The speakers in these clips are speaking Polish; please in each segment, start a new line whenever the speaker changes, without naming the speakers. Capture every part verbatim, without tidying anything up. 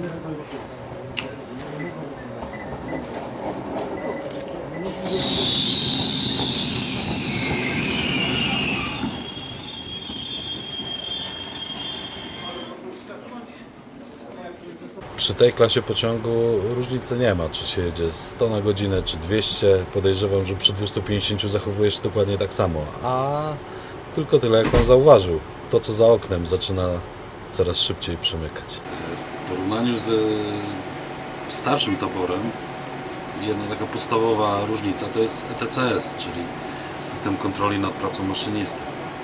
Przy tej klasie pociągu różnicy nie ma, czy się jedzie sto na godzinę, czy dwieście. Podejrzewam, że przy dwustu pięćdziesięciu zachowuje się dokładnie tak samo. A tylko tyle, jak on zauważył. To, co za oknem, zaczyna coraz szybciej przemykać.
W porównaniu z starszym taborem, jedna taka podstawowa różnica to jest E T C S, czyli system kontroli nad pracą maszynisty.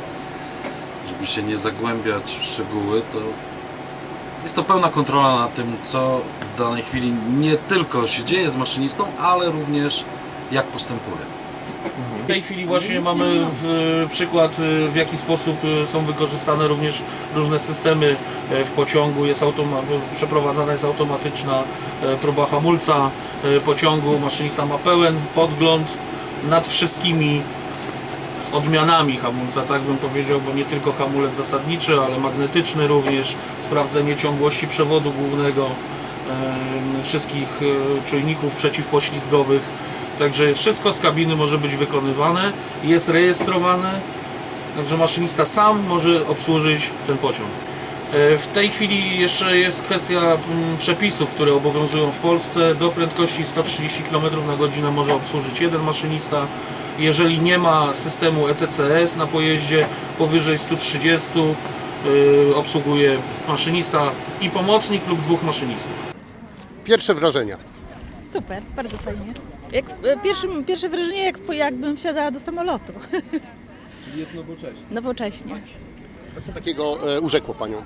Żeby się nie zagłębiać w szczegóły, to jest to pełna kontrola nad tym, co w danej chwili nie tylko się dzieje z maszynistą, ale również jak postępuje.
W tej chwili właśnie mamy w, przykład, w jaki sposób są wykorzystane również różne systemy w pociągu. Jest automa przeprowadzana jest automatyczna próba hamulca pociągu. Maszynista ma pełen podgląd nad wszystkimi odmianami hamulca, tak bym powiedział, bo nie tylko hamulec zasadniczy, ale magnetyczny również, sprawdzenie ciągłości przewodu głównego, e, wszystkich e, czujników przeciwpoślizgowych. Także wszystko z kabiny może być wykonywane, jest rejestrowane, także maszynista sam może obsłużyć ten pociąg. E, w tej chwili jeszcze jest kwestia m, przepisów, które obowiązują w Polsce. Do prędkości sto trzydzieści kilometrów na godzinę może obsłużyć jeden maszynista. Jeżeli nie ma systemu E T C S na pojeździe, powyżej stu trzydziestu yy, obsługuje maszynista i pomocnik lub dwóch maszynistów.
Pierwsze wrażenia.
Super, bardzo fajnie. Jak, pierwsze, pierwsze wrażenie, jak, jakbym wsiadała do samolotu.
Czyli jest nowocześnie.
Nowocześnie.
A co takiego e, urzekło Panią?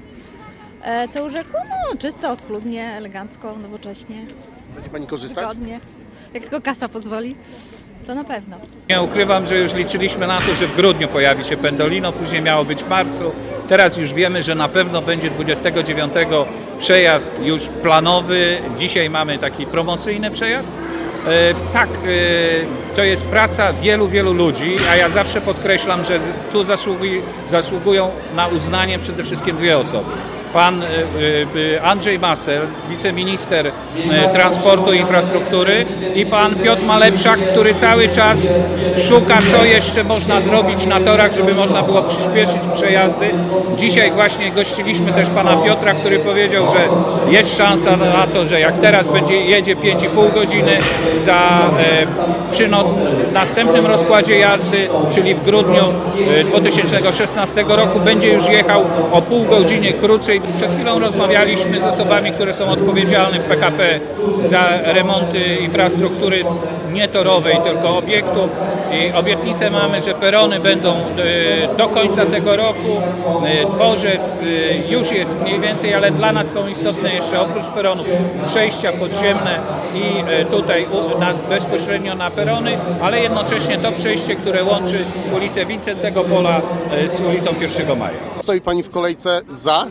E, to urzekło? No, czysto, schludnie, elegancko, nowocześnie.
Będzie Pani korzystać?
Wygodnie. Jak tylko kasa pozwoli, to na pewno.
Nie ukrywam, że już liczyliśmy na to, że w grudniu pojawi się Pendolino, później miało być w marcu. Teraz już wiemy, że na pewno będzie dwudziestego dziewiątego przejazd już planowy. Dzisiaj mamy taki promocyjny przejazd. E, tak, e, to jest praca wielu, wielu ludzi, a ja zawsze podkreślam, że tu zasługuj, zasługują na uznanie przede wszystkim dwie osoby. Pan Andrzej Masel, wiceminister transportu i infrastruktury, i pan Piotr Malepszak, który cały czas szuka, co jeszcze można zrobić na torach, żeby można było przyspieszyć przejazdy. Dzisiaj właśnie gościliśmy też pana Piotra, który powiedział, że jest szansa na to, że jak teraz będzie jedzie pięć i pół godziny, za, przy no, następnym rozkładzie jazdy, czyli w grudniu dwa tysiące szesnastego roku, będzie już jechał o pół godziny krócej. Przed chwilą rozmawialiśmy z osobami, które są odpowiedzialne w P K P za remonty infrastruktury nie torowej, tylko obiektu. I obietnicę mamy, że perony będą do końca tego roku. Dworzec już jest mniej więcej, ale dla nas są istotne jeszcze oprócz peronów przejścia podziemne i tutaj u nas bezpośrednio na perony, ale jednocześnie to przejście, które łączy ulicę Wincentego Pola z ulicą pierwszego maja.
Stoi Pani w kolejce za?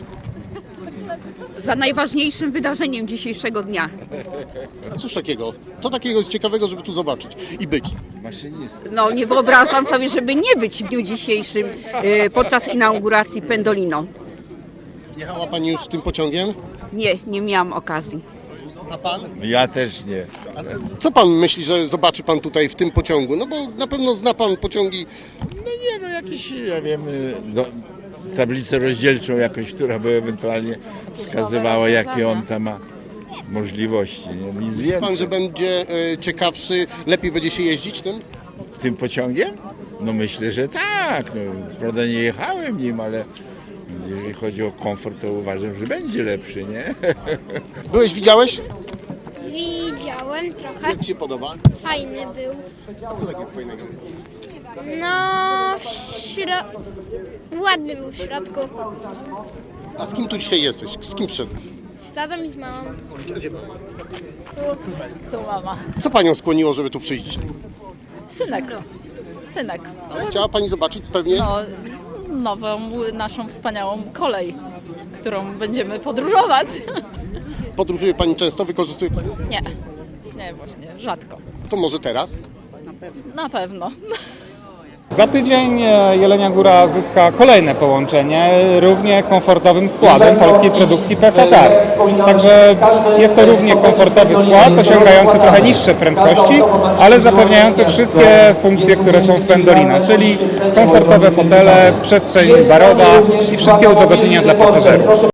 Za najważniejszym wydarzeniem dzisiejszego dnia.
A cóż takiego? Co takiego jest ciekawego, żeby tu zobaczyć i być?
No nie wyobrażam sobie, żeby nie być w dniu dzisiejszym e, podczas inauguracji Pendolino.
Jechała Pani już tym pociągiem?
Nie, nie miałam okazji.
A Pan?
Ja też nie.
A co Pan myśli, że zobaczy Pan tutaj w tym pociągu? No bo na pewno zna Pan pociągi.
No nie, no jakiś, ja wiem, no, tablicę rozdzielczą jakąś, która by ewentualnie wskazywała, jakie on tam ma możliwości. Nie? Nic więcej.
Pan, że będzie e, ciekawszy, lepiej będzie się jeździć tym?
Tym pociągiem? No myślę, że tak. No, prawda nie jechałem nim, ale jeżeli chodzi o komfort, to uważam, że będzie lepszy, nie?
Byłeś, widziałeś?
Widziałem trochę.
Jak Ci się podoba?
Fajny był.
A co takiego fajnego?
No, w śro... ładny był w środku.
A z kim tu dzisiaj jesteś? Z kim przyszedłeś?
Z tatą i z mamą.
Tu mama.
Co Panią skłoniło, żeby tu przyjść?
Synek. Synek.
Ale chciała Pani zobaczyć pewnie?
No, nową, naszą wspaniałą kolej, którą będziemy podróżować.
Podróżuje Pani często? Wykorzystuje Pani?
Nie, nie właśnie, rzadko.
To może teraz?
Na pewno.
Za tydzień Jelenia Góra zyska kolejne połączenie równie komfortowym składem polskiej produkcji P F R. Także jest to równie komfortowy skład, osiągający trochę niższe prędkości, ale zapewniający wszystkie funkcje, które są w Pendolino, czyli komfortowe fotele, przestrzeń barowa i wszystkie udogodnienia dla pasażerów.